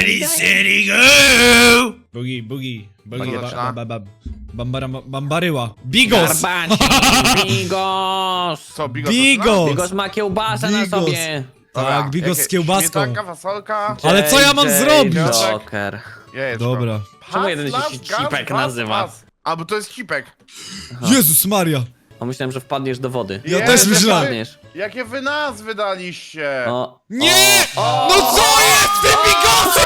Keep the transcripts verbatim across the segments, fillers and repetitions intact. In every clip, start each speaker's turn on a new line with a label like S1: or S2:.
S1: Ready, steady, go! Bugi, bugi, bugi,
S2: Co
S1: ba,
S2: zaczyna?
S1: ba, ba, ba, bambara, bambaryła. Bigos!
S3: Garbacie, Bigos!
S2: Co, Bigos?
S1: Bigos!
S3: Bigos ma kiełbasę na
S1: Bigos.
S3: sobie.
S1: Tak, Bigos z kiełbaską.
S2: Śmietanka, fasolka.
S1: Ale co ja mam
S3: J J
S1: zrobić?
S3: Joker.
S2: Jajeczko.
S1: Dobra.
S3: Czemu jeden
S2: Pas,
S3: się
S2: las, gaz,
S3: Cipek
S2: pas,
S3: nazywa?
S2: pas. A, bo to jest cipek.
S1: Jezus Maria!
S3: O, myślałem, że wpadniesz do wody.
S1: Ja
S2: Jezu,
S1: też myślałem.
S3: Wpadniesz.
S2: Jakie wy nazwy daliście?
S3: O,
S1: Nie!
S2: O!
S1: No co jest z tym Bigosem?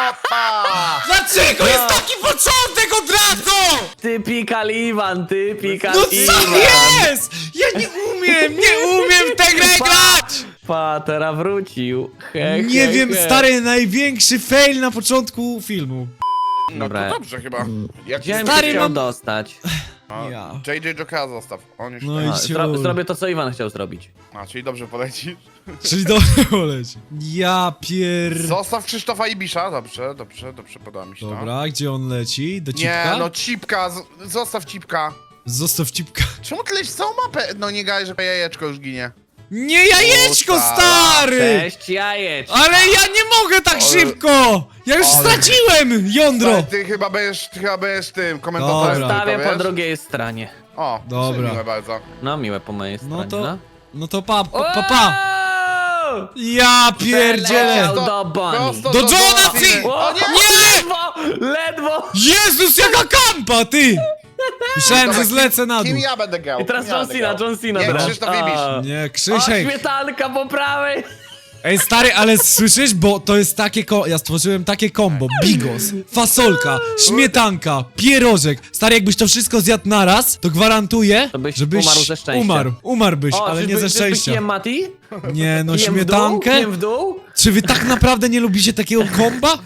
S2: Opa!
S1: Dlaczego jest taki początek od razu?
S3: ty pikal Iwan, ty pikal
S1: No co
S3: Iwan.
S1: jest? Ja nie umiem, nie umiem w tę grę grać!
S3: Patera wrócił. He,
S1: Nie
S3: he,
S1: wiem,
S3: he.
S1: stary, największy fail na początku filmu.
S2: No
S3: Dobra.
S2: to dobrze chyba. Jak
S3: Gdzie bym
S1: Stary,
S3: się chciał
S1: mam-
S3: dostać?
S2: A,
S1: Ja.
S2: J J Jokera zostaw. On już
S1: No
S2: no
S1: i
S3: A, zro
S1: ciul.
S3: zrobię to, co Iwan chciał zrobić.
S2: A, czyli dobrze polecisz.
S1: Czyli dobrze poleci. Ja pier...
S2: Zostaw Krzysztofa Ibisza. Dobrze, dobrze, dobrze, podoba mi się to.
S1: Dobra, gdzie on leci? Do
S2: Nie,
S1: cipka?
S2: no cipka, z- zostaw cipka.
S1: Zostaw cipka.
S2: Czemu ty lecisz całą mapę? No nie gaj, że jajeczko już ginie.
S1: Nie jajeczko,
S2: Puta.
S1: stary!
S3: Cześć, jajecz.
S1: Ale ja nie mogę tak
S2: Ale-
S1: szybko! Ja już
S2: Ale-
S1: straciłem jądro!
S2: Ale ty chyba będziesz, ty chyba będziesz tym komentatorem.
S1: Dobra.
S2: tylko,
S3: Stawię po
S2: wiesz?
S3: drugiej stronie.
S2: O,
S1: Dobra.
S2: miłe bardzo.
S3: No, miłe po mojej stronie,
S1: No to...
S3: no.
S1: No to pa, pa, pa, pa.
S3: Wow!
S1: Ja pierdzielę!
S3: Przeleciał do Bonnie.
S2: Prosto
S1: Do Johna
S2: Bonnie.
S1: Cena!
S3: O,
S2: O nie!
S1: Nie!
S3: Ledwo! Ledwo!
S1: Jezus, jaka kampa, ty! Myślałem, że
S2: Dobra,
S1: zlecę na dół.
S2: Kim ja będę grał?
S3: I teraz
S2: Kim ja
S3: John
S2: będę
S3: Cena,
S2: grał?
S3: John Cena
S2: Nie,
S3: teraz.
S2: Krzysztof
S3: A.
S2: Ibisz.
S1: Nie,
S3: O,
S1: Krzysiek.
S3: śmietanka po prawej!
S1: Ej, stary, ale słyszysz? Bo to jest takie ko... Ja stworzyłem takie kombo. Bigos, fasolka, śmietanka, pierożek. Stary, jakbyś to wszystko zjadł naraz, to gwarantuję,
S3: To byś
S1: żebyś
S3: umarł ze szczęścia.
S1: Umarł, umarłbyś,
S3: O,
S1: ale
S3: czyżby-
S1: nie ze
S3: czyżby
S1: szczęścia.
S3: Kiem Mati?
S1: Nie, no
S3: Kiem w dół?
S1: śmietankę?
S3: Kiem w dół?
S1: Czy wy tak naprawdę nie lubicie takiego komba?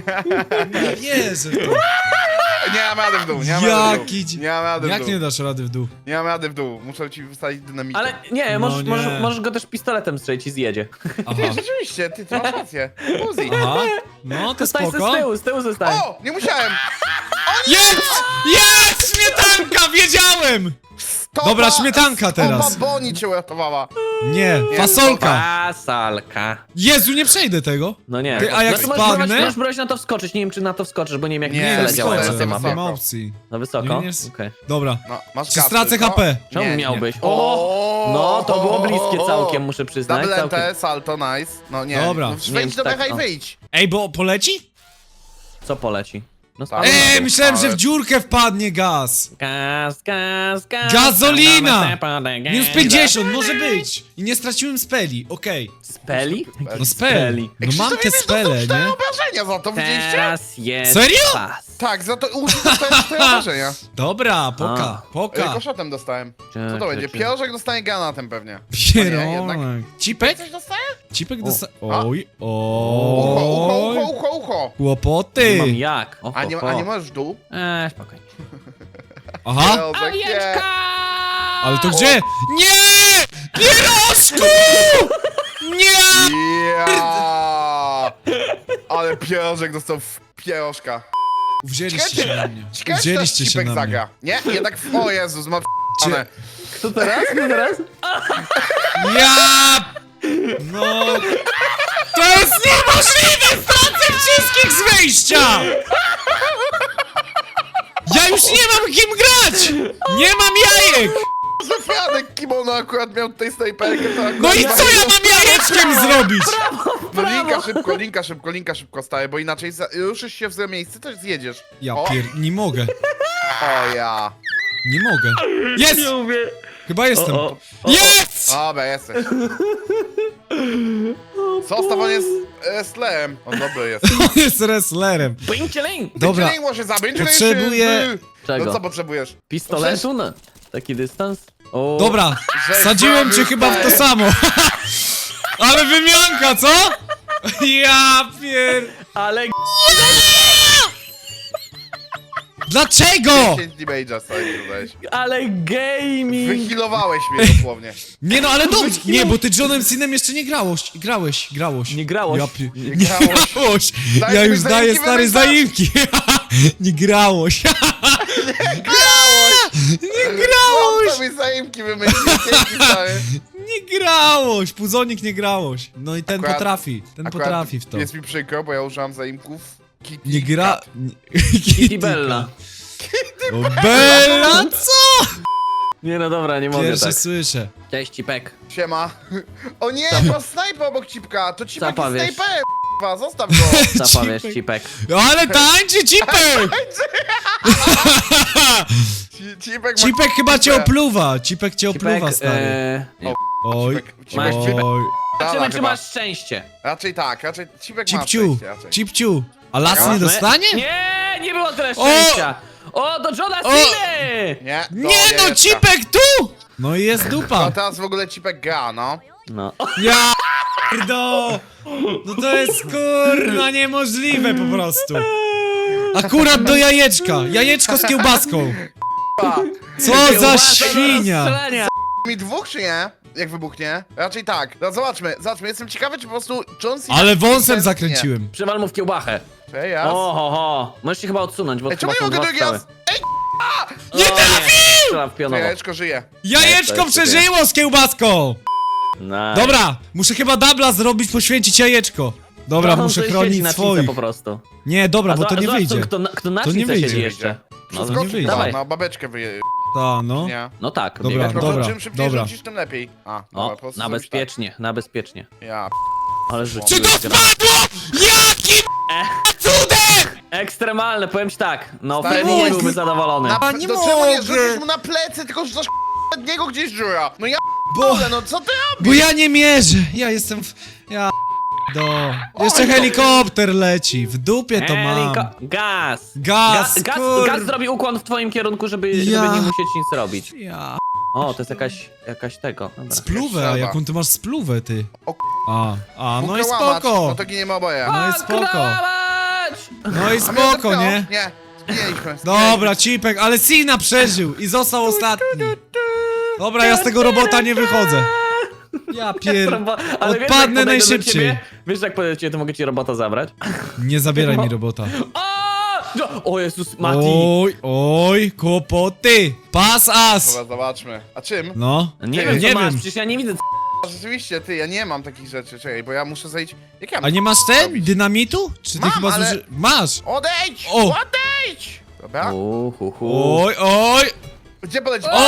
S1: Nie wierzę w to.
S2: Nie mam rady w dół, nie mam rady w
S1: Jaki...
S2: dół. Nie mam rady w
S1: Jak
S2: dół.
S1: nie dasz rady w dół?
S2: Nie mam rady w dół. Muszę ci wystawić dynamikę.
S3: Ale nie,
S1: No
S3: możesz,
S1: nie.
S3: Możesz, możesz go też pistoletem strzelić i zjedzie.
S1: Aha,
S2: Nie, rzeczywiście, ty, ty masz rację. Uzi.
S1: aha. No to
S3: Zostań se
S1: spoko.
S3: z tyłu, z tyłu zostań.
S2: O, nie musiałem.
S1: Jest! Jest! Śmietanka! Wiedziałem!
S2: Stopa,
S1: Dobra, śmietanka teraz.
S2: Stopa Bonnie cię uratowała.
S1: Nie,
S2: Nie,
S1: fasolka.
S3: Pasalka.
S1: Jezu, nie przejdę tego.
S3: No nie.
S1: Ty, a jak
S3: no to możesz
S1: spadnę?
S3: próbować- Możesz próbować na to wskoczyć, nie wiem czy na to wskoczysz, bo nie wiem jak
S2: Nie,
S3: nie,
S1: Nie,
S3: cele
S1: nie
S3: działają
S1: skoczę,
S3: na tej
S2: wysoko.
S3: mapie.
S1: nie ma opcji.
S3: No wysoko?
S1: Nie, nie
S3: Okej.
S1: s- Dobra.
S2: No, masz
S1: Czy
S2: kasy,
S1: stracę
S2: co?
S1: H P?
S3: Czemu
S2: Nie, nie,
S3: miałbyś?
S2: nie.
S3: O! No, to było bliskie całkiem, muszę przyznać.
S2: Double
S3: Całkiem.
S2: N T, salto, nice. No nie,
S1: Dobra.
S2: no,
S3: Nie
S2: wejdź
S3: wiem,
S2: do
S3: tak,
S2: mecha i
S3: o.
S2: wyjdź.
S1: Ej, bo poleci?
S3: Co poleci? No
S2: Tak.
S3: spadł na
S1: Ej,
S3: dół.
S1: myślałem, że w
S2: ale-
S1: dziurkę wpadnie gaz.
S3: Gaz, gaz, gaz.
S1: Gazolina!
S3: Gaz.
S1: Minus pięćdziesiąt, może być. I nie straciłem speli, okej.
S3: Speli?
S1: No speli. No mam te spele,
S2: cztery
S1: nie?
S2: obrażenia za to, widzieliście?
S3: Teraz jest
S1: Serio?
S3: pas.
S2: Tak, za to użyć dostałem cztery obrażenia.
S1: Dobra, poka,
S2: Ej,
S1: poka.
S2: Koszotem dostałem. Co
S3: Cze-
S2: to będzie?
S3: cze- cze-
S2: Pierożek dostanie granatem pewnie. O nie, jednak.
S1: Pieronek. Cipek?
S2: Coś dostaję?
S1: Cipek
S3: O.
S1: dosta...
S2: A?
S1: Oj,
S2: Ucho, ucho,
S1: oj.
S2: ucho, ucho, ucho.
S1: Kłopoty.
S3: Nie mam jak. O,
S2: A nie,
S3: ho, ho.
S2: a nie możesz w dół?
S3: Eee, spokojnie.
S1: Aha.
S2: Pierożek, nie.
S1: Ale to gdzie? Nie! Pierożku! Nie!
S2: Ja! Ale pierożek dostał w pierożka.
S1: Wzięliście się na mnie.
S2: Ciekawe, czy teraz
S1: Wzięliście się
S2: Cipek
S1: na mnie.
S2: zagra. Nie? Jednak, w... o Jezus, ma p***ane.
S3: Kto teraz? Kto teraz?
S1: Ja... No... To jest niemożliwe! Stracę wszystkich z wejścia! Ja już nie mam kim grać! Nie mam jajek!
S2: Zafianek kimono akurat miał tutaj snajperkę. to akurat
S1: No i
S2: ma-
S1: co ja mam jajeczkiem zrobić?
S2: No linka szybko, linka szybko, linka szybko staje, bo inaczej za... ruszysz się w złe miejsce, też zjedziesz.
S1: Ja
S2: O,
S1: pier... Nie mogę.
S2: o ja.
S1: Nie mogę. Jest!
S3: Nie mówię.
S1: Chyba jestem.
S3: O, o.
S1: Jest!
S2: Dobra, jesteś. Zostaw, on jest wrestlerem. On dobry jest.
S1: On jest wrestlerem.
S3: Pięcieling!
S1: Dobra.
S2: Czy nie może zabić? czy
S1: Potrzebuję-
S2: nie-
S3: Czego?
S2: No co potrzebujesz?
S3: Pistoletu? No, taki dystans? O.
S1: Dobra,
S2: Że
S1: sadziłem cię
S2: zrobił
S1: chyba w to
S2: tak.
S1: samo. Ale wymianka, co? Ja pier...
S3: Ale
S1: Dlaczego?
S2: dziesięć damage'a sobie dodałeś.
S3: ale gaming!
S2: Wyhealowałeś mnie dosłownie.
S1: Nie no, ale dobrze. Nie, bo ty Johnem Cenem jeszcze nie grałeś. Grałeś, grałeś.
S3: Nie grałeś.
S1: Ja pi...
S2: Nie
S1: Nie
S2: grałeś.
S1: grałeś.
S2: Daj
S1: Ja
S2: mi
S1: już daję
S2: zaimki,
S1: stare
S2: wymyślasz.
S1: zaimki. Nie grałeś.
S2: Grałeś!
S1: Nie grałeś.
S2: Chłop sobie zaimki wymyślił, dzięki stary.
S1: Nie grałoś, Puzonik nie grałoś. No i ten
S2: Akurat-
S1: potrafi, ten
S2: Akurat
S1: potrafi w to.
S2: Jest mi przykro, bo ja użyłam zaimków. Kitty
S1: Nie gra...
S2: Cat.
S1: Kitty
S3: Bella.
S1: O, Bella, co?
S3: Nie no dobra, nie mogę
S1: Pierwsze
S3: tak.
S1: słyszę.
S3: Cześć, Cipek.
S2: Siema. O nie, to snajper obok Cipka. To Cipek
S3: Co
S2: jest
S3: powiesz?
S2: snajperem, k***a, zostaw go.
S3: Co powiesz,
S1: Cipek.
S3: Cipek?
S1: Ale tańczy Cipek!
S2: Ci- Cipek ma
S1: Cipek chyba cię
S2: k***ę.
S1: opluwa, Cipek cię opluwa,
S3: Cipek,
S1: stary.
S3: e... nie.
S1: Oj,
S2: Cipek- Cipek-
S3: Cipek-
S1: oj.
S3: Zobaczymy,
S2: Dala
S3: czy
S2: chyba.
S3: masz szczęście.
S2: Raczej tak, raczej Cipek ma
S1: Cipciu,
S2: szczęście raczej.
S1: Cipciu. A las nie
S3: Zobaczmy.
S1: dostanie?
S3: Nie, nie było tyle szczęścia. O, do Johna
S1: O!
S3: Ceny!
S2: Nie, do
S1: Nie no,
S2: jajeczka.
S1: Cipek tu! No i jest
S2: No
S1: dupa.
S2: teraz w ogóle Cipek gra, no.
S3: No.
S1: Ja do. No to jest kurna niemożliwe po prostu. Akurat do jajeczka. Jajeczko z kiełbaską.
S2: Pa.
S1: Co za
S3: Kiełbasa do
S1: świnia.
S3: rozstrzelenia.
S2: Mi dwóch czy nie? Jak wybuchnie? Raczej tak. No zobaczmy, zobaczmy. Jestem ciekawy, czy po prostu John Cena...
S1: Ale wąsem
S2: Nie.
S1: zakręciłem.
S3: Przywal mu w kiełbachę.
S2: Cześć, jas.
S3: O, ho, ho. Możesz się chyba odsunąć, bo
S2: Ej,
S3: chyba
S2: czemu nie
S3: są
S2: mogę
S3: dwa
S2: drugi
S3: strzały.
S2: raz? Ej,
S1: Nie
S3: O,
S1: trafił!
S3: Strzela w
S2: to
S3: pionowo.
S2: jajeczko żyje.
S1: Jajeczko
S3: Nie, to jest
S1: przeżyło z kiełbaską.
S3: Nice.
S1: Dobra, muszę chyba dubla zrobić, poświęcić jajeczko. Dobra,
S3: No, on
S1: muszę
S3: tutaj siedzi
S1: chronić
S3: na
S1: swoich.
S3: cice po prostu.
S1: Nie, dobra,
S3: A
S1: bo to
S3: zobacz-
S1: nie
S3: zobacz,
S1: wyjdzie.
S3: Kto na, kto na
S1: To nie
S3: cice
S1: wyjdzie.
S3: siedzi jeszcze. No,
S2: Wszystko
S1: nie wyjdzie.
S3: dawaj.
S2: na babeczkę wyje...
S1: Ta, no.
S2: Nie.
S3: No tak,
S1: Dobra,
S3: biegać.
S2: Po
S1: dobra,
S2: prostu czym szybciej
S1: dobra.
S2: rzucisz, tym lepiej. A, dobra,
S3: O,
S2: po prostu
S3: na
S2: zrobisz
S3: bezpiecznie, na bezpiecznie.
S2: Tak. Ja,
S3: Ale
S1: Czy
S3: rzuciłeś
S1: to
S3: gra.
S1: spadło? Jakim cudem?
S3: Ekstremalne, powiem ci tak. No,
S2: Stary,
S3: Freddy
S1: nie
S3: nie
S1: mogę.
S3: byłby zadowolony.
S2: na,
S1: A, nie
S2: do czemu nie
S1: mogę.
S2: rzucisz mu na plecy, tylko rzucasz od niego gdzieś dziura? No ja
S1: Bo,
S2: p***le, no co ty robisz?
S1: bo ja nie mierzę. Ja jestem w... Ja... Do. Jeszcze helikopter leci. W dupie to mam.
S3: Heliko- Gaz!
S1: Gaz,
S3: Ga- gaz,
S1: kur-
S3: gaz zrobi ukłon w twoim kierunku, żeby, żeby
S1: Ja.
S3: nie musieć nic robić.
S1: Ja...
S3: O, to jest jakaś, jakaś tego. Dobra.
S1: Spluwę, a
S2: Strzelba.
S1: jaką ty masz spluwę, ty?
S2: O,
S1: A, a, no i
S2: Bukę łamacz,
S1: spoko.
S2: No to giniemy oboje.
S1: No i spoko.
S3: Kramać!
S1: No i
S2: A mnie
S1: spoko,
S2: zepchnęło?
S1: nie?
S2: Nie, zginęliśmy.
S1: Dobra, Cipek, ale Sina przeżył i został ostatni. Dobra, ja z tego robota nie wychodzę. Ja pier...
S3: Robo- ale wiesz, jak
S1: Odpadnę
S3: podejdę do
S1: najszybciej.
S3: ciebie? Wiesz, jak podejdę do ciebie, to mogę ci robota zabrać?
S1: Nie zabieraj mi robota.
S3: O! O Jezus, Mati!
S1: Oj, oj, kłopoty. Pas as.
S2: Dobra, zobaczmy. A czym?
S1: No.
S3: Nie
S2: Ty,
S3: wiem, co
S1: nie
S3: masz,
S1: wiem.
S3: przecież ja nie widzę.
S2: Rzeczywiście, ty, ja nie mam takich rzeczy, czekaj, bo ja muszę zejść... Jak ja
S1: A nie masz ten? Dynamitu? Czy ty
S2: Mam,
S1: chyba
S2: ale-
S1: zuży... Masz.
S2: Odejdź!
S1: O!
S2: Odejdź! Dobra.
S3: Uhuhu.
S1: Oj, oj.
S2: Gdzie poleci?
S1: O!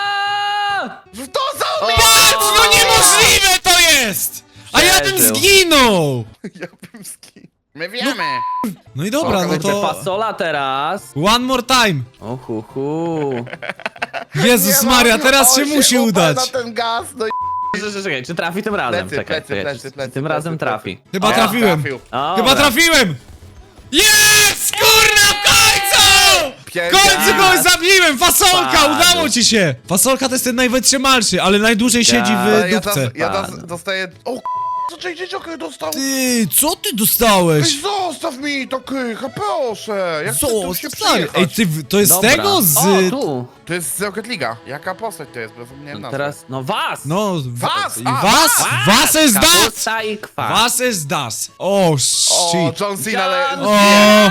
S2: W to za mnie!
S1: Patrz, no niemożliwe to jest! A ja bym
S3: Przeżył.
S1: zginął!
S2: Ja bym ski... My wiemy!
S1: No i dobra, no
S3: Kurde,
S1: to...
S3: fasola teraz.
S1: One more time.
S3: Uhuhu.
S1: Jezus
S2: Nie
S1: Maria,
S2: ma-
S1: teraz
S2: on
S1: się musi
S2: uparł
S1: udać.
S2: na ten gaz, no i...
S3: Czekaj, czekaj, czy trafi tym razem?
S2: Plecy,
S3: Czekaj,
S2: plecy,
S3: czekaj,
S2: plecy,
S3: czy
S2: plecy,
S3: tym
S2: plecy,
S3: razem
S2: plecy.
S3: trafi.
S1: Chyba
S2: O,
S1: trafiłem.
S2: trafił.
S3: Dobra.
S1: Chyba trafiłem! Jest! Kurna, w końcu! W
S2: Pier-
S1: końcu kogoś zabiłem! Fasolka,
S3: Padł.
S1: udało ci się! Fasolka to jest ten najwytrzymalszy, ale najdłużej siedzi
S2: Ale
S1: w
S2: ja
S1: dupce.
S2: teraz, ja teraz
S3: Pan.
S2: dostaję... O k***, co J J Joker dostał?
S1: Ty, co ty dostałeś?
S2: Ej, zostaw mi to krycha, proszę! Jak
S1: Co?
S2: chcę tu się
S1: Stary,
S2: przyjechać?
S1: ej, ty, to jest z
S3: Dobra.
S1: tego? Z...
S3: O, tu.
S2: To jest z Rocket League'a. Jaka postać to jest? Bo zapomniałem nazwy.
S3: Teraz, no was!
S1: No,
S2: Was!
S1: i
S2: A,
S1: was!
S2: was!
S1: Was is that!
S3: Kapusta i kwas.
S1: Was is das! O,
S2: O,
S1: shit!
S2: John Cena, ale...
S3: John
S1: O!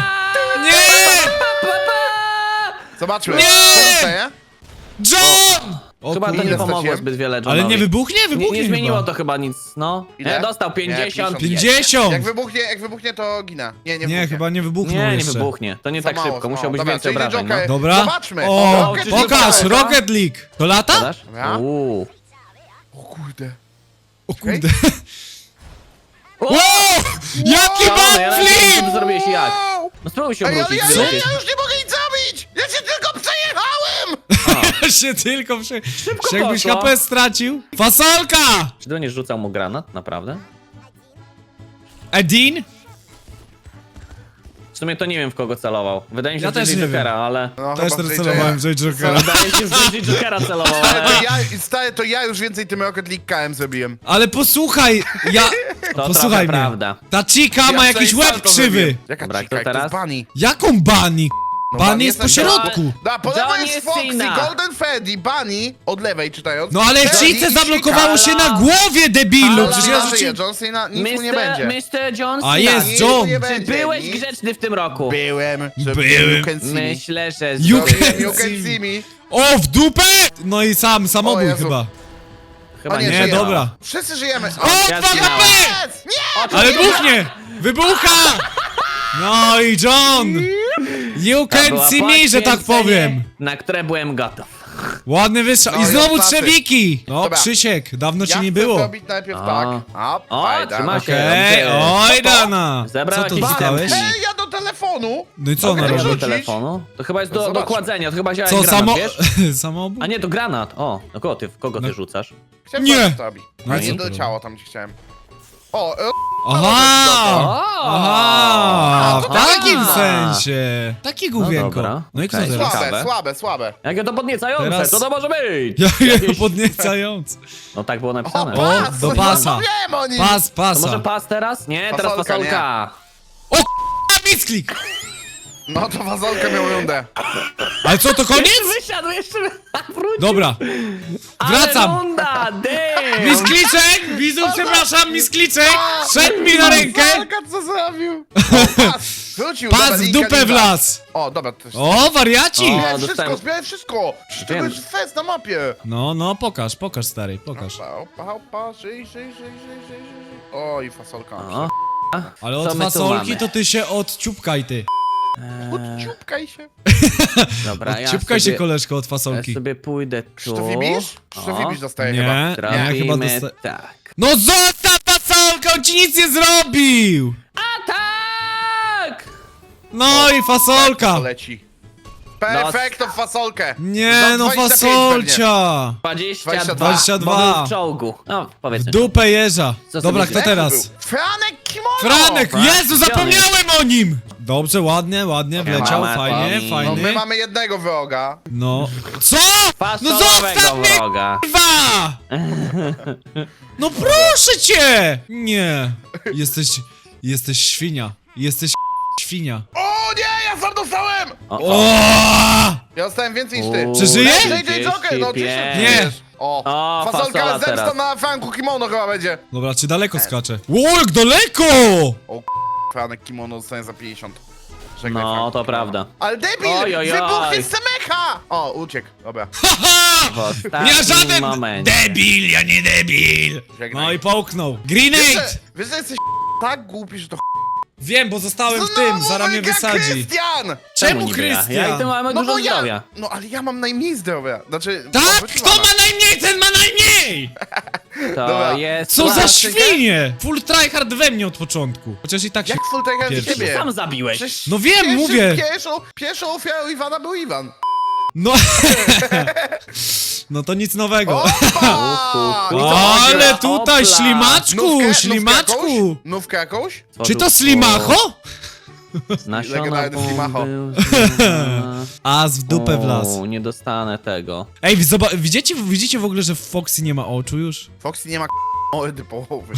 S1: Nie!
S3: Pa, pa, pa.
S2: Zobaczmy.
S1: Nie!
S2: Co dostaje?
S1: John! O,
S3: Chyba to
S1: kurde.
S3: nie
S2: Ile
S3: pomogło
S2: straciłem?
S3: zbyt wiele Johnowi.
S1: Ale nie wybuchnie?
S3: Nie,
S1: Wybuchnie
S3: nie zmieniło
S1: chyba.
S3: to chyba nic, no.
S2: Ile?
S3: Nie, dostał
S2: Nie,
S3: pięćdziesiąt.
S2: pięćdziesiąt.
S1: pięćdziesiąt!
S2: Jak wybuchnie, jak wybuchnie, to ginę. Nie, nie
S1: Nie,
S2: wybuchnie.
S1: chyba nie wybuchnął
S3: Nie, nie
S1: jeszcze.
S3: wybuchnie. To nie
S2: Za
S3: tak
S2: mało,
S3: szybko,
S2: za
S3: musiał
S2: mało.
S3: być
S2: Dobra,
S3: więcej
S2: czyli
S3: obrażeń, no.
S2: Joker.
S1: Dobra.
S2: Zobaczmy.
S1: O,
S2: Rocket
S3: czy
S2: League
S1: pokaż,
S2: to jest,
S1: Rocket League! To lata?
S3: Zadasz?
S2: Dobra.
S3: Uuu.
S2: O kurde.
S1: O kurde.
S3: O!
S1: O! Jaki
S3: Szalony, ja nawet nie wiem, co ty
S1: backflip!
S3: zrobiłeś i jak. No spróbuj się
S2: Ej, ale
S3: obrócić,
S2: ja, ja,
S3: wylecieć.
S2: ja już nie mogę nic zrobić! Ja się tylko przejechałem!
S1: się tylko prze...
S3: Szybko
S1: Czy jakbyś
S3: poszło.
S1: H P stracił? Fasolka!
S3: Czy to nie rzucał mu granat, naprawdę?
S1: Edin?
S3: W sumie to nie wiem, w kogo celował. Wydaje mi się,
S1: Ja
S3: że
S1: też
S3: w
S1: nie
S3: Jokera, ale...
S2: No,
S1: Też
S2: chyba
S1: też
S2: J J.
S1: celowałem w J Jokera.
S3: Wydaje mi się, że w Jokera celował,
S2: Ale
S3: ale...
S2: to ja, stary, to ja już więcej tym Rocket League K M zrobiłem.
S1: Ale posłuchaj, ja...
S3: To
S1: Posłuchaj
S3: trochę
S1: mnie.
S3: prawda.
S1: Ta chica ma
S2: Ja
S1: jakiś
S2: tutaj
S1: łeb
S2: salto
S1: krzywy.
S2: zrobiłem. Jaka
S3: Dobra,
S2: cika,
S3: kto
S2: to
S3: teraz?
S2: jest Bunny.
S1: Jaką Bunny?
S2: No,
S1: Bunny jest po
S2: ten-
S1: środku.
S2: Da, po lewej
S3: Johnny
S2: jest Foxy,
S3: Cena.
S2: Golden Freddy, Bunny, od lewej czytając.
S1: No ale
S2: Freddy
S1: Cice
S2: i
S1: zablokowało się
S3: Halo?
S1: na głowie, debilu!
S3: Halo?
S1: Przecież
S2: Chica.
S1: ja
S2: John
S1: rzuciłem...
S2: John Cena, nic mu nie
S3: mister
S2: będzie.
S3: mister John
S1: A
S3: Cena.
S1: jest
S2: Nic
S1: John.
S2: mu nie
S3: Czy
S2: będzie,
S3: byłeś
S2: nic.
S3: grzeczny w tym roku?
S2: Byłem, żeby
S1: Byłem.
S2: you can see me.
S3: Myślę, że...
S1: You
S3: zrobię-
S1: can
S2: You can
S1: see
S2: see me.
S1: O, w dupę! No i sam,
S2: O
S1: samobój
S2: Jezu.
S1: chyba.
S3: Chyba
S2: O nie,
S3: nie,
S1: Nie,
S2: żyje.
S1: dobra.
S2: Wszyscy żyjemy.
S1: O,
S3: ja
S1: dwa
S3: zginąłem.
S1: H P!
S2: Jest! Nie!
S1: Ale buchnie! Wybucha! No i John! You
S3: To
S1: can
S3: była
S1: see me, że tak
S3: poświęcenie,
S1: powiem.
S3: Na które byłem gotów.
S1: Ładny wystrzał.
S2: No
S1: I
S2: i
S1: znowu
S2: ostatni.
S1: trzewiki! No,
S2: Dobra.
S1: Krzysiek, dawno
S2: Ja
S1: ci nie
S2: chcę
S1: było.
S2: zrobić najpierw
S3: O.
S2: tak. A,
S3: O,
S2: fajda.
S3: trzyma się.
S1: Okej,
S3: Dobrze.
S1: oj
S2: Co to?
S1: Dana! Co
S3: Zebrał
S1: tu
S3: jakieś
S1: dostałeś?
S3: itemki.
S2: Ej, ja do telefonu!
S1: No i co
S2: Mogę
S1: ona
S3: Ja
S1: robi?
S3: do
S2: rzucić?
S3: telefonu? To chyba jest do, do
S2: Zobaczmy.
S3: kładzenia, to chyba działa
S1: Co,
S3: jak granat,
S1: samo...
S3: wiesz?
S1: Samoobóz?
S3: A nie, to granat. O, no kogo ty, w kogo ty
S1: No.
S3: rzucasz?
S2: Chciałem
S1: Nie.
S2: zobaczyć, co robi.
S1: No
S2: Ale
S1: i
S2: nie
S1: co to
S2: doleciało tam, gdzie chciałem. O, e,
S1: Aha!
S3: O!
S1: Aha! W
S2: to
S1: takim
S3: aha.
S1: sensie! Takie główienko.
S3: dobra.
S1: No i kto
S3: Okej.
S1: teraz?
S2: słabe,
S3: Ciekawe.
S2: słabe, słabe.
S3: Jakie to podniecające,
S1: Teraz-
S3: co to może być?
S1: Ja
S3: Jakieś-
S1: podniecając.
S3: No tak było
S2: O,
S3: napisane.
S1: O,
S2: pas!
S1: do pasa.
S2: No wiem o nim!
S1: Pas,
S3: To
S1: pasa.
S3: może pas teraz? Nie, teraz
S2: Fasolka,
S3: fasolka.
S1: A, misklik!
S2: No to fazolkę miał rundę.
S1: Ale co, to koniec?
S3: Jeszcze wysiadł, jeszcze wrócił.
S1: Dobra.
S3: Ale
S1: Wracam.
S3: runda, damn.
S1: Miskliczek! Wizu, przepraszam, miskliczek! Szedł mi na rękę!
S2: Fazolka co zrobił? O, pas! Wrócił, dobra,
S1: Pas w
S2: linka,
S1: dupę w
S2: linka.
S1: las!
S2: O, dobra, to jest...
S1: O, wariaci!
S3: O.
S2: Zbieraj wszystko,
S3: dostałem-
S2: zbieraj wszystko! Przecież to
S3: Wiem.
S2: jest fest na mapie!
S1: No, no, pokaż, pokaż, stary, pokaż.
S2: Opa, opa, opa, żyj, żyj, żyj, żyj, żyj, żyj. Oj, fasolka.
S3: O,
S1: Ale
S3: Co
S1: od
S3: my tu
S1: fasolki
S3: mamy?
S1: to ty się odciupkaj, ty.
S2: Odciupkaj się.
S3: dobra, ja
S1: Odciupkaj się,
S3: sobie,
S1: koleżko, od
S3: ja
S1: fasolki.
S3: sobie pójdę tu.
S2: Czy to Wibisz? Czy to
S3: O,
S2: Wibisz dostaje chyba?
S1: Nie, nie,
S3: Trafimy,
S1: chyba dosta...
S3: tak.
S1: No zostaw fasolkę, on ci nic nie zrobił!
S3: A tak!
S1: No i fasolka!
S2: Leci. Perfekto w fasolkę!
S1: Nie,
S2: Za
S1: no
S2: dwadzieścia pięć
S1: fasolcia!
S3: dwadzieścia
S2: dwadzieścia
S3: dwa.
S1: dwa.
S3: Bo był w czołgu. No,
S1: W
S3: powiedzmy.
S1: dupę jeża.
S3: Co
S1: Dobra,
S3: sobie
S1: kto
S2: pewnie.
S1: teraz?
S2: Był. Franek Kimono!
S1: Franek!
S3: Frank,
S1: Jezu, zapomniałem o nim! Dobrze, ładnie, ładnie, wleciał,
S3: Mama,
S1: fajnie,
S3: Toni.
S2: No my
S1: fajny.
S2: mamy jednego wroga.
S1: No. Co? No
S3: Fasolowego
S1: zostaw mnie,
S3: wroga.
S1: kurwa! No proszę cię! Nie. Jesteś, jesteś świnia. Jesteś świnia.
S2: O nie, ja sam dostałem!
S3: O, o.
S1: O!
S2: Ja dostałem więcej niż ty.
S3: U,
S1: Przeżyje?
S2: J J Joker, no oczywiście.
S1: Nie.
S2: przecież. O,
S3: O,
S2: fasolka
S3: fasola
S2: zemsta
S3: teraz.
S2: na Franku Kimono chyba będzie.
S1: Dobra, czy daleko skacze? Ło, jak daleko!
S2: O, Franek Kimono dostanie za pięćdziesiąt. Żegnaj,
S3: No,
S2: Franku
S3: to
S2: Kimono.
S3: prawda.
S2: Ale debil!
S3: Oj, oj, oj.
S2: Wybuchnie z Semecha! O, uciekł, dobra.
S1: Haha!
S3: W ostatnim
S1: Ja żaden
S3: momencie.
S1: debil, ja nie debil!
S2: Żegnaj.
S1: No i połknął.
S2: Wiesz,
S1: Grenade!
S2: że, wiesz, że jesteś tak głupi, że to
S1: Wiem, bo zostałem w tym, zaraz mnie
S2: wygra
S1: wysadzi.
S2: Krystian!
S1: Czemu
S3: niby ja?
S1: Krystian?
S3: Ja i ty mamy
S2: No
S3: dużo
S2: bo ja,
S3: zdrowia.
S2: no ale ja mam najmniej zdrowia. Znaczy,
S1: Tak?
S2: odwróciła
S1: Kto
S2: nas.
S1: ma najmniej, ten ma najmniej!
S3: To
S2: Dobra.
S3: jest...
S1: Co za
S2: Zobaczcie,
S1: świnie! Full tryhard we mnie od początku. Chociaż i tak się...
S2: Jak full tiger
S1: Pierwszy.
S2: ciebie?
S3: Sam zabiłeś.
S2: Przecież
S1: No wiem,
S2: pierwszym-
S1: mówię.
S2: Pierwszą, pierwszą ofiarą Iwana był Iwan.
S1: No... No to nic nowego.
S2: Opa!
S3: Uhu.
S2: I co,
S1: Ale
S2: Magia?
S1: tutaj,
S3: Opla.
S1: ślimaczku,
S2: Nówkę-
S1: ślimaczku!
S2: Nówkę jakąś? Nówkę jakąś?
S1: Czy to slimacho?
S3: Nasiona
S2: Legendarny Slimacho.
S3: bomby.
S1: As w dupę w las.
S3: O, nie dostanę tego.
S1: Ej, wy zoba- widzicie, widzicie w ogóle, że w Foxy nie ma oczu już?
S2: Foxy nie ma mordy połowy.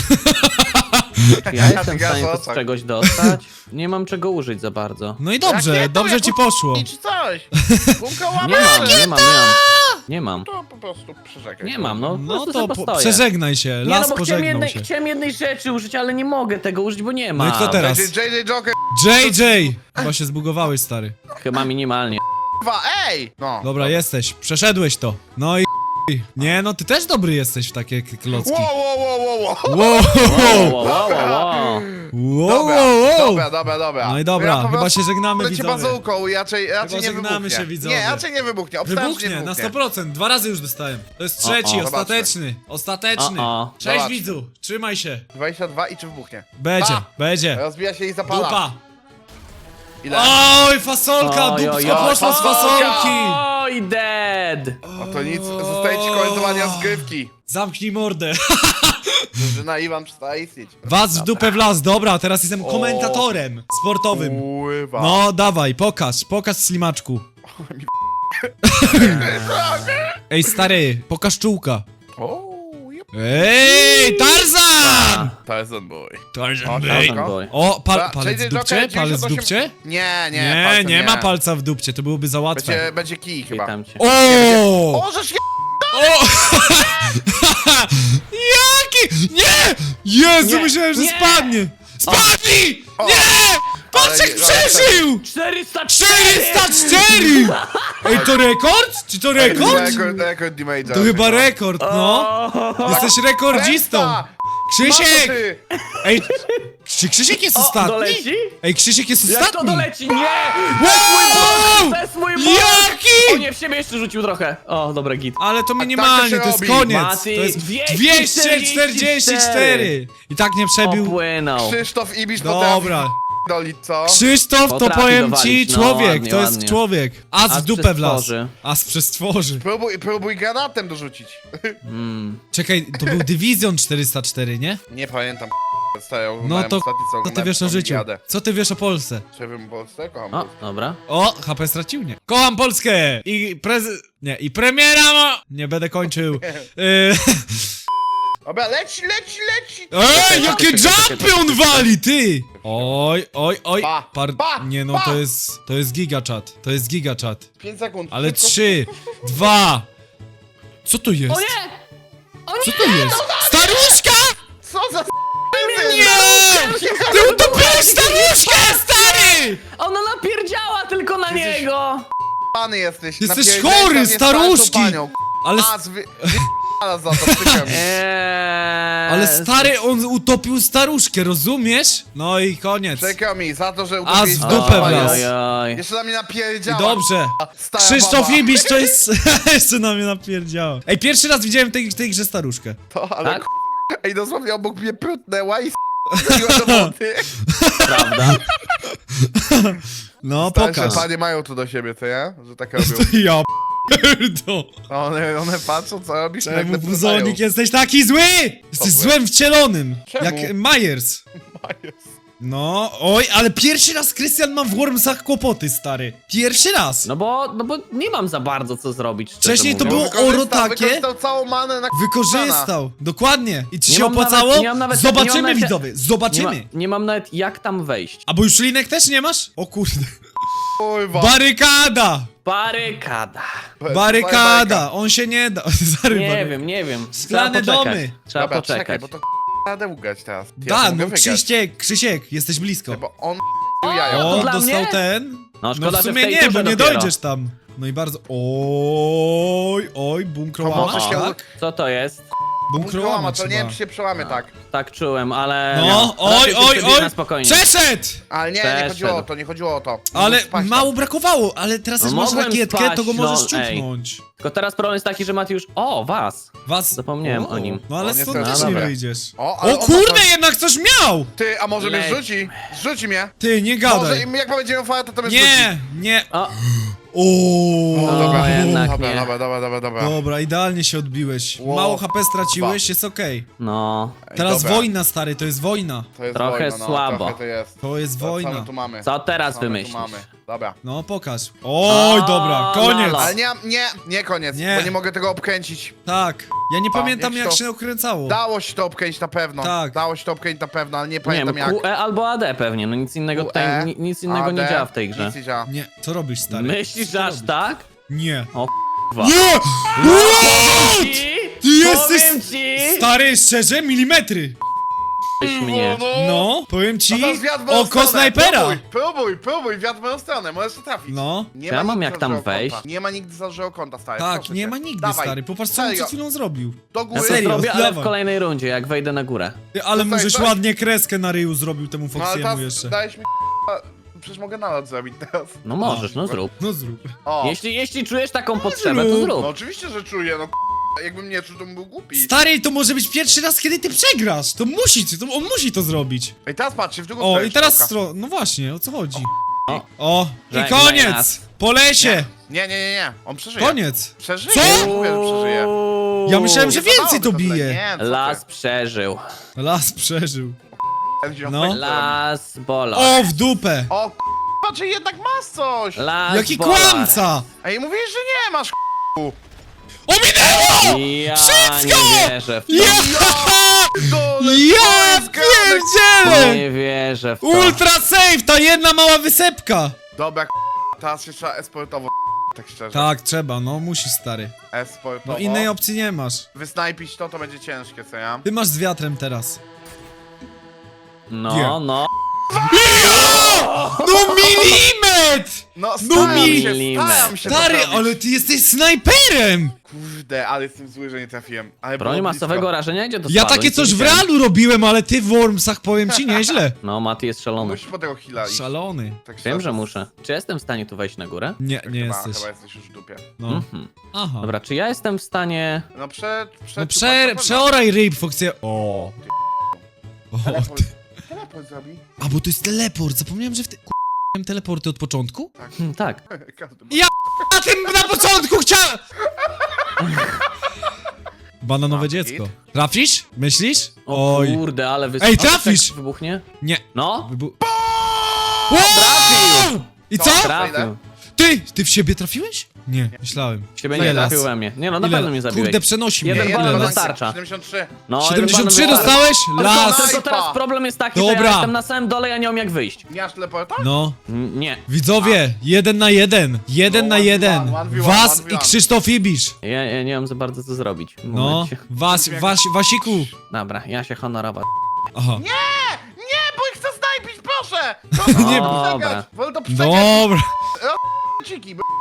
S3: Ja jestem w
S2: Ja
S3: stanie to z
S2: zostań.
S3: czegoś dostać. Nie mam czego użyć za bardzo.
S1: No i dobrze,
S2: Jakie to,
S1: dobrze
S2: jak
S1: ci poszło.
S2: Czy coś? Gumka
S3: Nie
S2: łapy.
S3: mam, nie mam, nie mam. Nie mam.
S2: To po prostu przeżekaj.
S3: Nie mam, no. po
S1: No
S3: prostu
S1: to
S3: sobie
S1: po-
S3: postoję.
S1: przeżegnaj się,
S3: Nie,
S1: las
S3: no bo chciałem
S1: pożegnał
S3: jednej,
S1: się.
S3: chciałem jednej rzeczy użyć, ale nie mogę tego użyć, bo nie ma.
S1: No i kto teraz?
S2: Będzie J J Joker
S1: J J! Chyba się zbugowałeś, stary.
S3: Chyba minimalnie.
S2: dwa, ej! No.
S1: Dobra, jesteś, przeszedłeś to. No i nie, no ty też dobry jesteś w takie k- klocki.
S2: Wow, wow, wow, wow, wow.
S1: Wow,
S3: Wow, wow, wow, wow.
S1: wow,
S2: Dobra,
S1: wow.
S2: dobra, dobra, dobra.
S1: No i dobra,
S2: Ja po
S1: chyba
S2: prostu
S1: się żegnamy,
S2: leci
S1: widzowie.
S2: bazułką i raczej, raczej nie
S1: żegnamy
S2: wybuchnie.
S1: się, widzowie.
S2: Nie, raczej nie wybuchnie. Obstawiam, że nie
S1: Wybuchnie, na
S2: wybuchnie.
S1: sto procent. Dwa razy już dostałem. To jest trzeci,
S3: O, o.
S1: ostateczny. Ostateczny.
S3: O, o.
S1: Cześć,
S2: Zobacz.
S1: widzu. Trzymaj się.
S2: dwadzieścia dwa i czy wybuchnie?
S1: Będzie,
S2: Pa!
S1: będzie.
S2: Rozbija się i zapala.
S1: Dupa.
S2: Ile?
S1: Oj, fasolka,
S3: Oj, oj,
S1: dupsko
S3: oj,
S1: poszła z
S2: fasolka.
S1: fasolki.
S3: Oj, dead!
S2: O to nic, zostaje ci komentowania zgrywki.
S1: Zamknij mordę.
S2: Drużyna Iwan przestaje istnieć.
S1: Was w dupę w las, dobra, teraz jestem komentatorem sportowym.
S2: Pływa.
S1: No, dawaj, pokaż, pokaż slimaczku. Ej, stary, pokaż czułka.
S2: O, jep.
S1: Ej, Tarzan!
S2: Tarzan boy.
S1: Tarzan
S2: O,
S1: boy.
S2: Tarzan
S3: boy.
S1: O, pal,
S2: Dobra,
S1: palec
S2: J J
S1: w dupcie?
S2: Joker,
S1: Palec w
S2: dziewięćdziesiąt osiem
S1: dupcie?
S2: Nie, nie,
S1: Nie,
S2: palcem
S1: nie ma palca w dupcie, to byłoby za łatwe.
S2: Będzie, będzie kij chyba.
S3: Witam cię.
S1: O!
S2: O, żeż je...
S1: O! Jaki? Nie! Jezu,
S3: Nie,
S1: myślałem, że
S3: nie!
S1: spadnie! Spadnij!
S2: O.
S1: Nie! Patrz jak
S2: Ale nie-
S1: przeżył!
S3: czterysta cztery!
S1: czterysta cztery! Ej, to rekord? Czy to rekord?
S2: Rekord, rekord damage'a.
S1: To chyba rekord, no.
S3: O,
S1: Jesteś rekordzistą.
S2: Kresta!
S1: Krzysiek!
S2: Mato ty!
S1: Ej, czy Krzysiek jest
S3: O,
S1: ostatni?
S3: doleci?
S1: Ej, Krzysiek jest
S3: Jak to
S1: ostatni!
S3: doleci? Nie!
S1: Wow!
S3: To jest mój bot! O
S1: Jaki?
S3: nie, w siebie jeszcze rzucił trochę. O, dobra, git.
S1: Ale to
S2: tak
S1: minimalnie,
S2: to
S1: to
S2: się
S1: jest
S2: robi.
S1: koniec.
S3: Mati,
S1: To jest
S3: dwieście
S1: dwieście czterdzieści cztery. I tak nie przebił.
S3: Opłynął.
S2: Krzysztof Ibisz
S1: Dobra.
S2: potrafi dolić, co?
S1: Krzysztof to
S3: Potrafi
S1: powiem ci
S3: dowalić, no,
S1: człowiek,
S3: ładnie,
S1: to jest
S3: ładnie.
S1: człowiek. As w
S3: As
S1: dupę
S3: przez
S1: wlazł.
S3: tworzy.
S1: As przez tworzy.
S2: Próbuj, próbuj granatem dorzucić.
S3: Mm.
S1: Czekaj, to był Division czterysta cztery, nie?
S2: Nie pamiętam. Stają,
S1: No to
S2: ostatni, co
S1: co ty wiesz o życiu?
S2: Jadę.
S1: Co ty wiesz o Polsce?
S2: Czy wiem Polsce? Kocham
S3: O,
S2: Polskę.
S3: dobra.
S1: O, H P stracił, nie? Kocham Polskę! I prez... Nie, i premiera ma... Nie będę kończył. Yy...
S2: Dobra, leci, leci, leci!
S1: Ej, jakie jumpy on wali, ty! Oj, oj, oj.
S2: Pa,
S1: Par...
S2: pa,
S1: Nie no,
S2: pa.
S1: to jest... To jest gigachat. To jest gigachat.
S2: pięć sekund.
S1: Ale
S2: Szybko.
S1: trzy, dwa... Co to jest?
S3: O nie! O
S1: Co
S3: nie!
S1: to jest? Staruszka!
S2: Co za
S1: Nie! Ty utopiłeś staruszkę, stary!
S3: Ona napierdziała tylko na
S2: Jesteś-
S3: niego!
S2: Pany jesteś.
S1: Jesteś
S2: napierdzielka
S1: chory,
S2: mnie
S1: staruszki.
S2: starszą panią.
S1: Ale,
S2: A, zwy... Ale za to, przykro mi.
S3: Eee,
S1: ale stary, on utopił staruszkę, rozumiesz? No i koniec.
S2: Przykro mi, za to, że
S1: A
S2: utopiłeś
S1: z
S2: starszą
S1: dupę
S2: panią.
S1: wlazł.
S3: Oj, oj.
S2: Jeszcze na mnie
S1: I
S2: napierdziała.
S1: dobrze.
S2: Stara
S1: Krzysztof
S2: baba.
S1: Ibisz to jest... Jeszcze na mnie napierdziała. Ej, pierwszy raz widziałem w tej, w tej grze staruszkę.
S2: To, ale
S3: Tak?
S2: k- Ej, dosłownie obok mnie prutnęła i s***iła do wody.
S3: Prawda?
S1: No,
S2: Starsze
S1: pokaż.
S2: panie mają to do siebie, co ja? Że tak robią.
S1: To ja p***do.
S2: One, one patrzą, co robisz,
S1: Czemu,
S2: nagle
S1: Buzonik, jesteś taki zły? Jesteś
S2: zły?
S1: złem wcielonym.
S2: Czemu?
S1: Jak Myers.
S2: prutają.
S1: No, oj, ale pierwszy raz Krystian ma w Wormsach kłopoty, stary. Pierwszy raz.
S3: No bo, no bo nie mam za bardzo co zrobić. szczerze
S1: Wcześniej to
S3: mówiąc.
S1: było oro
S2: Wykorzystał-
S1: takie.
S2: Wykorzystał całą manę na
S1: Wykorzystał. Dokładnie. I ci
S3: Nie
S1: się
S3: mam
S1: opłacało?
S3: nawet- nie mam nawet- nie
S1: Zobaczymy,
S3: mam nawet-
S1: widzowie.
S3: Nie, ma,
S1: Zobaczymy.
S3: nie mam nawet jak tam wejść.
S1: A bo już linek też nie masz? O kurde.
S2: Kurwa.
S1: Barykada!
S3: Barykada.
S1: Barykada! On się nie da. Zary,
S3: Nie
S1: bary-
S3: wiem, nie wiem.
S1: Szklane
S3: Trzeba poczekać.
S1: domy.
S3: Trzeba
S2: Dobra,
S3: poczekać.
S2: czekaj, bo to radę ugać teraz. Ja
S1: Da,
S2: to mogę
S1: no
S2: wygrać.
S1: Krzysiek, Krzysiek, jesteś blisko.
S2: Bo on
S3: O,
S2: jaja.
S3: to
S1: O,
S3: dla
S1: dostał
S3: mnie?
S1: ten.
S3: No, szkoda,
S1: No w
S3: że w
S1: sumie
S3: tej
S1: nie,
S3: turze
S1: bo nie
S3: dopiero.
S1: dojdziesz tam. No i bardzo... Oj, oj, bunkrołama,
S2: To może się-
S1: tak?
S3: Co to jest?
S1: Bunkrołama
S2: Bunkrołama, to nie
S1: trzeba.
S2: wiem, czy się przełamy tak.
S3: Tak czułem, ale...
S1: No, oj,
S3: raczej się
S1: oj,
S3: przebierz
S1: oj!
S3: na spokojnie.
S1: Przeszedł!
S2: Ale nie, nie
S3: Przeszedł.
S2: chodziło o to, nie chodziło o to.
S1: Ale
S2: Mógł spaść
S1: mało
S2: tam.
S1: brakowało, ale teraz
S3: No
S1: jak masz
S3: mogłem
S1: rakietkę,
S3: spaść,
S1: to go możesz
S3: no, ej.
S1: ciupnąć.
S3: Tylko teraz problem jest taki, że Mati już... O, was!
S1: Was...
S3: Zapomniałem o nim.
S1: No ale
S2: O,
S1: stąd
S2: niestety.
S1: też
S3: No,
S1: nie
S3: dobra.
S1: wyjdziesz.
S2: O, ale
S1: O
S2: on
S1: kurde,
S2: ma-
S1: jednak coś miał!
S2: Ty, a może mnie
S3: Leć.
S2: zrzuci? Zrzuci mnie.
S1: Ty, nie
S2: Może
S1: gadaj.
S2: im- jak powiedziałem fajnie, to to mnie zrzuci.
S1: Nie, nie.
S3: O,
S1: O,
S2: O, dobra,
S3: O, jednak
S2: dobra,
S3: nie.
S2: dobra, dobra, dobra, dobra.
S1: Dobra, idealnie się odbiłeś.
S2: Ło.
S1: Mało H P straciłeś, jest okej.
S3: no...
S2: Ej,
S1: Teraz
S2: dobra.
S1: wojna, stary, to jest wojna.
S2: To jest
S3: Trochę
S2: wojna, no,
S3: słabo.
S2: Trochę to jest.
S1: To jest
S2: Co- Co
S1: wojna.
S2: my tu mamy?
S3: Co teraz
S2: Co my tu
S3: wymyślisz?
S2: mamy? Dobra.
S1: No, pokaż. Oj,
S3: O,
S1: dobra, koniec.
S3: lala.
S2: Ale nie, nie, nie koniec,
S1: Nie.
S2: bo nie mogę tego obkręcić.
S1: Tak. Ja nie
S2: A,
S1: pamiętam,
S2: jak
S1: jak
S2: to-
S1: się okręcało.
S2: Dało się to obkręcić na pewno.
S1: Tak.
S2: Dało się to obkręcić na pewno, ale nie
S3: Nie
S2: pamiętam
S3: wiem,
S2: jak.
S3: Q E albo A D pewnie, no nic innego tutaj,
S2: Q E,
S3: ni- nic innego nie
S2: A D,
S3: działa w tej grze.
S2: Nic nie działa.
S1: Nie, co robisz, stary?
S3: Myślisz,
S1: Co
S3: że aż
S1: robisz?
S3: tak?
S1: Nie.
S3: O k***wa.
S1: Nie! What?
S3: Ci,
S1: Ty jesteś...
S3: powiem ci!
S1: Stary, szczerze, milimetry.
S3: mnie.
S1: No, powiem
S2: A
S1: ci,
S2: teraz wiatr w moją
S1: oko
S2: stronę.
S1: snajpera.
S2: Próbuj, próbuj, próbuj, wiatr w moją stronę, możesz to trafić.
S1: No,
S2: Nie
S3: Ja mam
S2: nigdy
S3: jak tam
S2: zażyłego
S3: wejść?
S2: Kąta. Nie ma nigdy zażyłego kąta, stary.
S1: tak,
S2: proszę
S1: nie
S2: cię.
S1: ma nigdy,
S2: Dawaj.
S1: stary. Popatrz, co on
S2: Serio.
S1: przed chwilą zrobił.
S2: Do
S3: Ja
S2: góry.
S3: to
S1: Serio,
S3: zrobię, ale w
S1: dawaj.
S3: kolejnej rundzie, jak wejdę na górę.
S1: Ty, ale
S2: Tutaj,
S1: możesz
S2: tak?
S1: ładnie kreskę na ryju zrobił temu
S2: No ale
S1: Foxiemu
S2: teraz
S1: jeszcze.
S2: dałeś mi przecież mogę nalot zrobić teraz.
S3: No możesz, no zrób.
S1: No zrób.
S2: O,
S3: Jeśli, jeśli czujesz taką potrzebę, to
S1: zrób.
S2: no
S3: zrób.
S2: oczywiście, że czuję, no jakbym nie czuł, to bym był głupi.
S1: Stary, to może być pierwszy raz, kiedy ty przegrasz. To musi, to on musi to zrobić.
S2: Ej, teraz patrzcie, w drugą
S1: O,
S2: stronę
S1: i teraz
S2: strzałka.
S1: stro... No właśnie, o co chodzi?
S3: O.
S1: O, i
S3: Żegnaj
S1: koniec!
S3: nas.
S1: Po lesie!
S2: Nie, nie, nie, nie, on przeżyje.
S1: Koniec!
S2: Przeżyje,
S1: Co?
S2: mówię, że przeżyje.
S1: Ja myślałem, że
S2: Nie zadało
S1: więcej
S2: mi
S1: to
S2: tyle.
S1: bije.
S2: Nie, co ty?
S3: Las przeżył.
S1: Las przeżył.
S2: Ten
S1: No.
S2: ziom-
S3: Las bolał.
S1: O, w dupę!
S2: O, k***a, czy jednak masz coś?
S3: Las
S1: Jaki
S3: bolar.
S1: kłamca!
S2: Ej, mówisz, że nie masz, k***u.
S1: Ominęło!
S3: Ja
S1: Wszystko!
S3: nie wierzę w to.
S1: Ja!
S2: Dole,
S1: Ja
S2: to jest gadek.
S1: pierdzielę!
S3: Nie wierzę w to.
S1: Ultra safe, ta jedna mała wysepka!
S2: Dobra, k***a, teraz się trzeba esportowo, tak szczerze.
S1: Tak, trzeba, no musisz, stary.
S2: Esportowo.
S1: No innej opcji nie masz.
S2: Wysnajpić to, to będzie ciężkie, co ja?
S1: Ty masz z wiatrem teraz.
S3: No,
S1: Nie.
S3: no.
S1: No milimetr!
S2: No,
S1: No
S2: staram
S1: mi-
S2: się, staram się
S1: Stary,
S2: poprawić.
S1: ale ty jesteś snajperem!
S2: Kurde, ale jestem zły, że nie trafiłem. Ale
S3: Broń
S2: było
S3: masowego
S2: blisko.
S3: rażenia? Gdzie to
S1: Ja
S3: spadłeś?
S1: takie coś w
S3: Widziałem.
S1: realu robiłem, ale ty w Wormsach powiem ci nieźle.
S3: No, Mati jest szalony.
S2: Musisz po tego heala iść.
S1: Szalony.
S2: Tak
S3: Wiem,
S2: szczerze.
S3: że muszę. Czy jestem w stanie tu wejść na górę?
S1: Nie, nie
S2: chyba,
S1: jesteś.
S2: Chyba jesteś już w dupie.
S1: No.
S3: Mhm.
S1: Aha.
S3: Dobra, czy ja jestem w stanie...
S2: No prze... prze
S1: No prze, przeoraj ryb, Foxie. O. O,
S2: Teleport,
S1: ty.
S2: teleport zrobi.
S1: A, bo to jest teleport. Zapomniałem, że w te... K***ałem teleporty od początku?
S3: Hmm, tak.
S2: Każdy ma.
S1: Ja na tym na początku chciałem! Bananowe
S2: A,
S1: dziecko.
S2: hit?
S1: Trafisz? Myślisz?
S3: O
S1: Oj.
S3: kurde, ale wysoko.
S1: Ej, trafisz!
S3: Jak wybuchnie?
S1: Nie.
S3: No,
S1: Wybu...
S3: trafił!
S1: I co?
S3: Trafił.
S1: Ty! Ty w siebie trafiłeś? Nie, myślałem.
S3: Ciebie
S1: Ile
S3: nie
S1: raz?
S3: trafił we mnie. Nie no, na
S1: Ile?
S3: pewno mnie zabiłeś.
S1: Kurde, przenosi mnie.
S3: Jeden
S1: Ile
S3: banan
S1: raz?
S3: wystarcza.
S2: siedemdziesiąt trzy.
S3: No, jeden
S1: siedemdziesiąt trzy
S3: banan wystarczy.
S1: dostałeś? Las!
S3: Tylko
S2: Snajpa.
S3: teraz problem jest taki, że
S1: Dobra.
S3: ja jestem na samym dole, ja nie wiem jak wyjść.
S2: Nie masz teleporta?
S1: No.
S3: Mm, Nie.
S1: Widzowie, jeden na jeden. Jeden
S2: No,
S1: na
S2: one v
S1: jeden.
S2: one, one v one,
S1: Was
S2: one v
S1: i
S2: one.
S1: Krzysztof Ibisz.
S3: Ja, ja nie wiem za bardzo co zrobić. W
S1: No.
S3: momencie.
S1: Was, was, Wasiku.
S3: Dobra, ja się honorować.
S1: Aha.
S2: Nie! Nie, bo ich chcę snajpić, proszę! Proszę,
S1: Nie,
S2: nie,
S3: dobra.
S2: przegać! Wolę to przegać!
S1: Dobra.
S2: Ciki, b*****.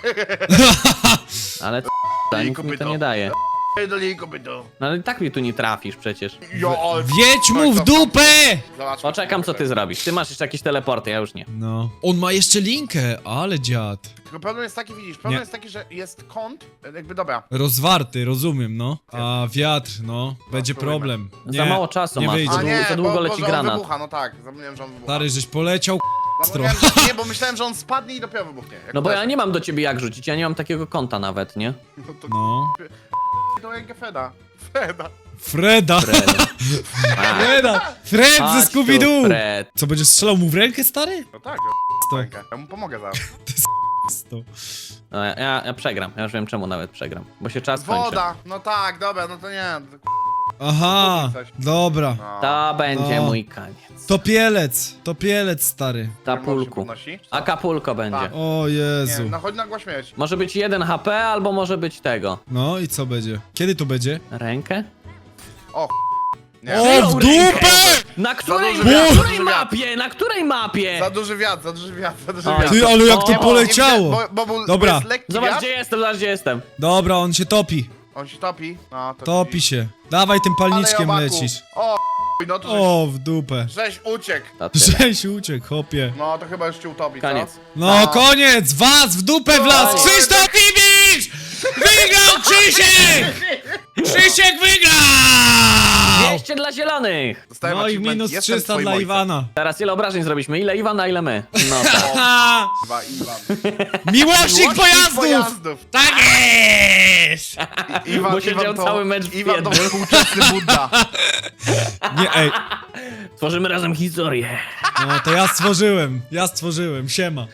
S3: Ale co, nic mi to
S2: kopyto.
S3: nie daje.
S2: do niej kopyto.
S3: No ale i tak mi tu nie trafisz przecież.
S2: Jo, ale...
S1: Wiedź mu w dupę!
S2: Zobacz,
S3: Poczekam co ty zrobisz. Ty masz jeszcze jakieś teleporty, ja już nie.
S1: No. On ma jeszcze linkę, ale dziad.
S2: Tylko problem jest taki, widzisz, problem
S1: Nie.
S2: jest taki, że jest kąt, jakby dobra.
S1: Rozwarty, rozumiem, no. A wiatr, no. Będzie
S2: spróbujmy.
S1: problem.
S3: Za mało czasu
S1: nie
S3: masz.
S1: wyjdzie.
S3: Za
S2: A
S3: długo,
S2: nie,
S3: za długo
S2: bo,
S3: leci
S2: bo, że on
S3: granat.
S2: wybucha, no tak, zapomniałem, że on wybucha.
S1: Stary, żeś poleciał
S2: Zapomniałem, że, nie, bo myślałem, że on spadnie i dopiero wybuchnie. Jak
S3: No bo ja
S2: uderzy.
S3: nie mam do ciebie jak rzucić, ja nie mam takiego konta nawet, nie?
S2: No to
S1: No.
S2: to jak Feda. Feda.
S1: Freda.
S3: Fred. A,
S1: Freda. Fred ze
S3: chodź tu,
S1: Scooby-Doo.
S3: Fred.
S1: Co, będziesz strzelał mu w rękę, stary?
S2: No tak,
S1: To.
S2: rękę. Ja mu pomogę zaraz.
S1: to.
S3: No, ja, ja, ja przegram, ja już wiem czemu nawet przegram. Bo się czas kończy.
S2: Woda. No tak, dobra, no to nie. To,
S1: Aha, dobra.
S2: no.
S3: To będzie
S1: No.
S3: mój koniec.
S1: Topielec, topielec, stary.
S2: Tapulku.
S3: Tapulku. Acapulco będzie.
S2: Tak.
S1: O
S2: Nie,
S1: Jezu.
S2: no chodź nagła śmierć.
S3: Może być jeden H P, albo może być tego.
S1: No i co będzie? Kiedy to będzie?
S3: Rękę?
S2: Nie.
S1: O, w
S3: Rękę.
S1: dupę!
S3: Na której,
S2: duży
S3: na
S2: wiatr,
S3: której
S2: duży wiatr.
S3: mapie? Na której mapie?
S2: Za duży wiatr, za duży wiatr, za duży
S3: Oj.
S2: wiatr.
S1: Ty, ale jak
S3: O,
S1: to
S3: nie, bo-
S1: poleciało!
S2: Bo, bo, bo,
S1: Dobra.
S2: Bo jest lekki
S3: Zobacz
S2: wiatr,
S3: gdzie jestem, zobacz gdzie jestem.
S1: Dobra, on się topi.
S2: on się topi. No, to
S1: Topi się. Dawaj tym palniczkiem
S2: Ale obaku.
S1: lecisz.
S2: O, no to żeś,
S1: O, w dupę.
S2: żeś uciekł.
S3: To tyle.
S1: Żeś uciekł, hopie.
S2: No to chyba już cię utopi,
S3: Koniec.
S2: co?
S1: No
S2: A.
S1: koniec! Was w dupę w las!
S2: Oj.
S1: Krzysztof Ibisz! Wygrał Krzysiek! Krzysiek wygrał!
S3: dwieście dla zielonych.
S2: Dostałem
S1: No i
S2: achievement,
S1: minus
S2: jestem
S1: trzysta
S2: twoim
S1: dla
S2: ojcem.
S1: Iwana.
S3: Teraz ile obrażeń zrobiliśmy? Ile Iwana, ile my? No tak.
S1: Ha!
S2: Dwa Iwan.
S1: Miłośnik
S2: Miłośnik
S1: pojazdów!
S2: pojazdów.
S1: Tak jest!
S2: I, Iwan,
S3: Bo siedział
S2: Iwan to,
S3: cały mecz w
S2: Iwan to
S3: jednym.
S2: współczesny Buddha.
S1: Nie, ej.
S3: Tworzymy razem historię.
S1: No to ja stworzyłem. Ja stworzyłem. Siema.